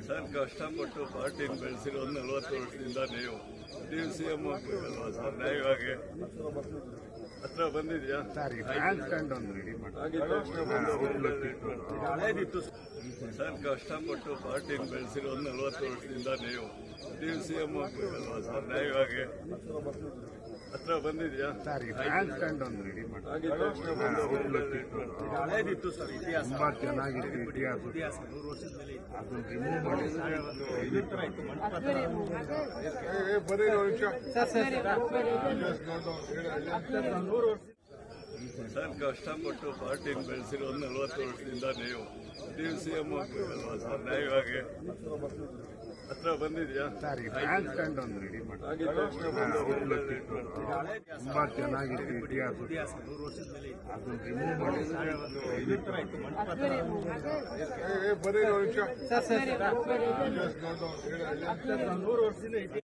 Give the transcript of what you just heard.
Sir ಕಷ್ಟಪಟ್ಟು ಪಾರ್ಟಿನ ಬೆಳೆಸಿರೋ 40 ವರ್ಷದಿಂದ ನೀವು ಸಿಎಂ ಆಗ್ಬೇಕಲ್ವಾ ಸರ್? ನ್ಯಾಯವಾಗಿ ಹತ್ರ ಬಂದಿದ್ಯಾ? ಸರ್ ಕಷ್ಟಪಟ್ಟು ಪಾರ್ಟಿನ ಬೆಳೆಸಿರೋ 40 ವರ್ಷದಿಂದ ನೀವು ಸಿಎಂ ಆಗ್ಬೇಕಲ್ವಾ ಸರ್? ನ್ಯಾಯವಾಗಿ ಹತ್ರ ಬಂದಿದ್ಯಾ? ತುಂಬಾ ಚೆನ್ನಾಗಿತ್ತು ಇತಿಹಾಸ. ಅದನ್ನ ರಿಮೂವ್ ಮಾಡಿದ್ರೆ ಸರ್ ಕಷ್ಟಪಟ್ಟು ಪಾರ್ಟಿನ ಬೆಳೆಸಿರೋ 40 ವರ್ಷದಿಂದ ನೀವು ಸಿಎಂ ಆಗ್ಬೇಕಲ್ವಾ ಸರ್? ನ್ಯಾಯವಾಗಿ ಹತ್ರ ಬಂದಿದ್ಯಾ? ತುಂಬಾ ಚೆನ್ನಾಗಿತ್ತು ಇತಿಹಾಸ. ಅದನ್ನ ರಿಮೂವ್ ಮಾಡಿದ್ರೆ